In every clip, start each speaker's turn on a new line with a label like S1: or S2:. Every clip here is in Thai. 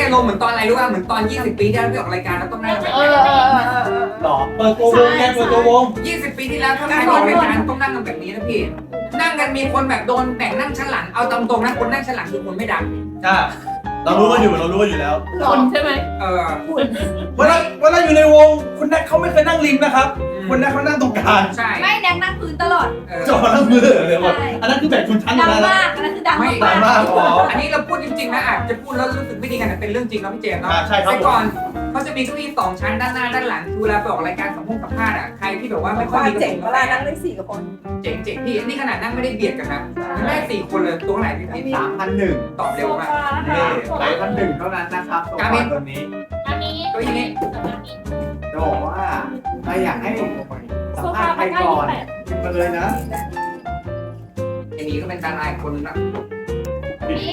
S1: ลงเหมือนตอนอะไรรู้ป่ะเหมือนตอน20 ปีที่แล้วที่ออกรายการแล้วต้องนั่งแบบ
S2: หรอเปิดตัววงไงเปิดตัววง
S1: 20 ปีที่แล้วถ้าใครออกรายการต้องนั่งกันแบบนี้นะพี่นั่งกันมีคนแบบโดนแบ่งนั่งชั้นหลังเอาตรงๆนะคนนั่งชั้นหลังคือคนไม่ดัง
S2: เรารู้กันอยู่แล้ว
S3: คนใช่ไหม
S2: เวลาอยู่ในวงคุณแน็กเขาไม่เคยนั่งริมนะครับคุณแน็กเขานั่งตรงกลาง
S1: ใช่
S3: ไม่แดงนั่งพื้นตลอด
S2: จอนั่งมือเลยหมดอันนั้นคือแบ่งชนชั้น
S3: ดัง
S2: แล้วนะ
S3: มากอันนั้นคือดัง
S1: ไม่
S3: มาก
S1: อันนี้เราพูดจริงๆนะอาจจะพูดแล้วรู้สึกไม่ดีกันแต่เป็นเรื่องจริงครับพี่เจมส์เนาะ
S2: ใช่ครับ
S1: แต่ก่อนเขาจะมีเก้าอี้2 ชั้นด้านหน้าด้านหลังคือเวลาไปออกรายการสัมภาษณ์อ่ะใครที่แบบว่าไม่ค่อยมี
S4: เจ๋งเวลานั่งได้4 คน
S1: เจ๋งพี่นี่ขนาดนั่งไม่ได้เบียดกันนะได้4 คนเลยตัวไหนพี่
S5: 3,100
S1: ตอบเร็วมาก
S5: 3,100 เท่านั้นนะครับตัวตัวนี้
S3: อันนี้
S1: ก็อย่างนี้
S5: จะบอกว่าถ้าอยากให้สัมภาษณ์ใครก่อนมาเลยนะ
S1: ไอ้นี้ก็เป็นดาราอีกคนนึงนะ
S3: นี่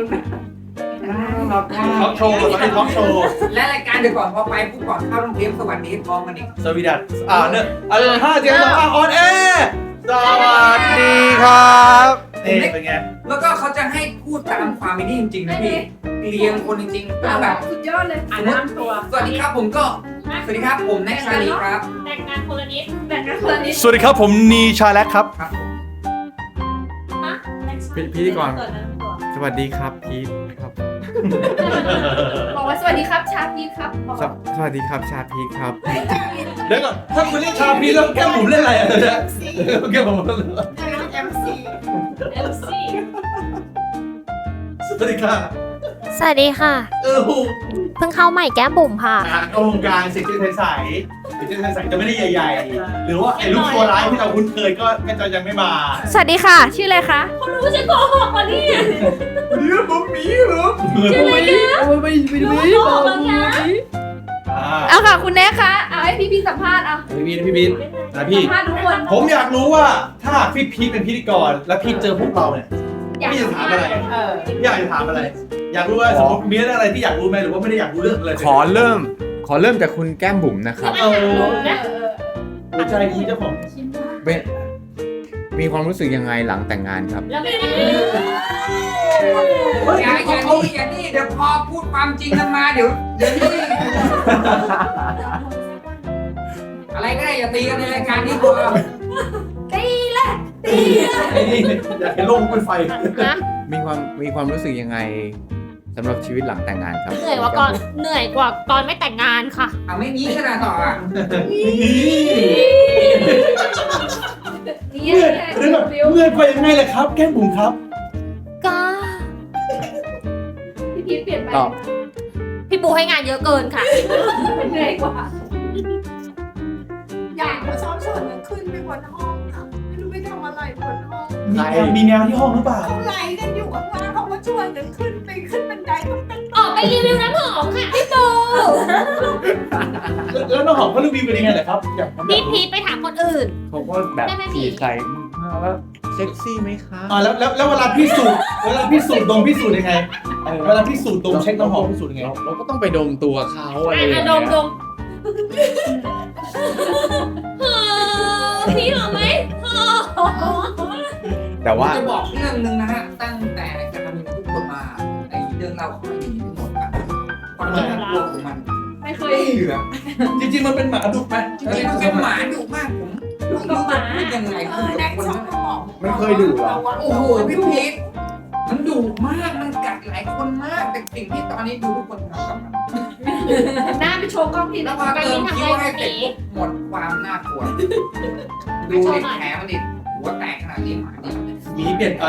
S2: ท็อปโชว์ตอนนี้ท็อปโชว์
S1: และรายการเดี๋ยวก่อนพอไปปุ๊บก่อนเข้าโรงเทปสวัสดีพร้อมกันอีก
S2: สวีดัสเนี่ย5 7 2 ออนแอร์สวัสดีครับนี่เป็นไง
S1: แล้วก็เขาจะให้พูดตามความไม่ดีจริงๆนะพี่เรียงคนจริงๆก็แบบ
S3: สุดยอดเลย
S1: สมมติสวัสดีครับผมก็สวัสดีครับผมแน็กชาลีครับ
S3: แต่งงานคนละนิดแต่งงานคนละนิด
S2: สวัสดีครับผมนีชาแลกครับ
S1: ครับ
S6: พิธีกรสวัสดีครับพีทครับ
S3: บอกว่าสวัสดีครับชาพีครับบอก
S6: สวัสดีครับชาพีทครับ
S2: เดี๋ยวก่อนถ้าคุณเล่นชาพีแล้วแก้มผมเล่นอะไรอ่ะเนี่ยแก้มผม
S4: MC
S3: เอลซี่
S2: สวัสดีค่ะ
S7: สวัสดีค่ะ
S2: โอ้โห
S7: เพิ่งเข้าใหม่แก้มบุ๋มค่ะ
S2: วงการเซ็กซี่ใสๆเซ็กซี่ใสๆจะไม่ได้ใหญ่ๆ หรือว่าไอ้ลูกตัวร้ายที่เราคุ้นเคยก็จะยังไม่มา
S7: สวัสดีค่ะ ชื่ออะไรคะ
S3: เขารู้จะโกหกวันนี้
S2: เดี๋ยวผมมีเหรอ
S3: ชื่ออะไรกันรู้ว่าโกหกแล้วนะ
S7: เอาค่ะ คุณแน่คะเอาให้พี่สัมภาษณ์เอา
S2: พี่บินนะพี่
S3: สัมภาษณ์ทุกคน
S2: ผมอยากรู้ว่าถ้าพี่พีทเป็นพิธีกรแล้วพี่เจอพวกเราเนี่ยพี่จะถามอะไรอยากจะถามอะไร อยากรู้ว่าสมมติมีเรื่องอะไรที่อยากรู้ไหมหรือว่าไม่ได้อยากรู้เรื่องเลย
S6: ขอเริ่มจากคุณแก้มบุ๋มนะครับ
S2: หัวใจคุณเจ้าของ
S6: เป็นมีความรู้สึกยังไงหลังแต่งงานครับ
S3: แล้วไม่ได้
S1: อย่านี่เดี๋ยวพอพูดความจริงกันมาเดี๋ยวนี่อะไรก็ได้อย่าตีกันในรายการนี้พอ
S2: ไอ้นี่อยากเห็นโลกเป็นไฟ
S6: มีความรู้สึกยังไงสำหรับชีวิตหลังแต่งงานครับ
S7: เหนื่อยกว่าตอนไม่แต่งงานค่ะ
S1: เอาไม่งี้ขนาดต่ออ่ะ
S3: นี่
S2: เรื่องแบบเมื่อยไปยังไงล่ะครับ แก้มบุ๋มครับ
S7: ก็
S3: พี่พีทเปลี่ยนไป
S6: ตอบ
S7: พี่ปูให้งานเยอะเกินค่ะ
S3: เหนื่อยกว่า
S4: อยากมาซ้อมส่วนหนึ่งขึ้นไปบนห้องค่ะไม่รู้ไปทำอะไรบนห้อง
S2: มีแมวที่ห้องหรือเปล่า
S4: เขาไล่กันอยู่ข้างล่างเขามาชวนกันขึ้นบันไดต้องเป็น
S7: ออกไปรีวิวน้ำหอมค่ะพี่ปู
S2: แล้วน้องหอมเขารีวิวเป็นยังไงล่ะครับอยาก
S7: พี่พีทไปถามคนอื่น
S6: เขาก็แบบจีบใส่ว่าเซ็กซี่ไหมคะ
S2: แล้วเวลาพี่สูดดมพี่สูดยังไงเวลาพี่สูดดมเช็คน้ำหอมพี่สูดยังไง
S6: เราก็ต้องไปดมตัวเขาอะไรอย่างเงี้ย
S7: ดมพี่หอมไหม
S6: แต่ว่า
S1: จะบอกเรื่องนึงนะฮะตั้งแต่การทำงานทุกคนมาไอ้เรื่องเราของมันมีทั้งหมดครับความน่ากลัวของมัน
S3: ไม่เคย
S1: ไม่เหลือ
S2: จริงๆมันเป็นหมาดุไหม
S1: จริงๆมันเป็นหมาดุมากผมไม่รู้จะพูดยังไง
S4: แน็ก
S1: คน
S4: ชอบมาบอก
S6: ไม่เคยดุเหรอ
S1: โอ้โหพี่พีทมันดุมากมันกัดหลายคนมากแต่สิ่งที่ตอนนี้ดูทุกคนทำกับมัน
S3: หน้าไปโชว์กล้องที
S1: แล้
S3: นะ
S1: วพอเติมคิ้วให้เสร็จปุ๊บหมดความน่ากลัวดูดิแผลมันดิหัวแตกขนาดนี้หมาดิ
S2: หมีเปลี่ยนไป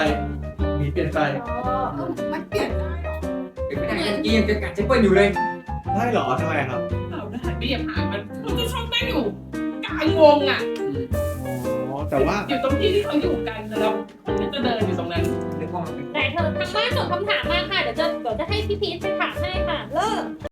S4: มันเปลี่ยนได้หรอ
S1: เป็นไม่ได้เมื่อกี้ยังจะกัดเจ๊เปิ้ลอยู่เลย
S2: ได้เหรอทำไมครับ
S8: เราได้ไม่อย่าผ่านมันจะชอบนั่งอยู่กลางวงอ่ะ
S6: อ๋อแต่ว่า
S8: อยู่ตรงที่เขาอยู่กันแล้วคนนี้จะเดินอยู่ตรงนั้น
S1: นึกว่ามันเป็น
S7: แต่เธอทางบ้านส่งคำถามมาค่ะ เดี๋ยวจะให้พี่พีทไปถามให้ค่ะ เลิก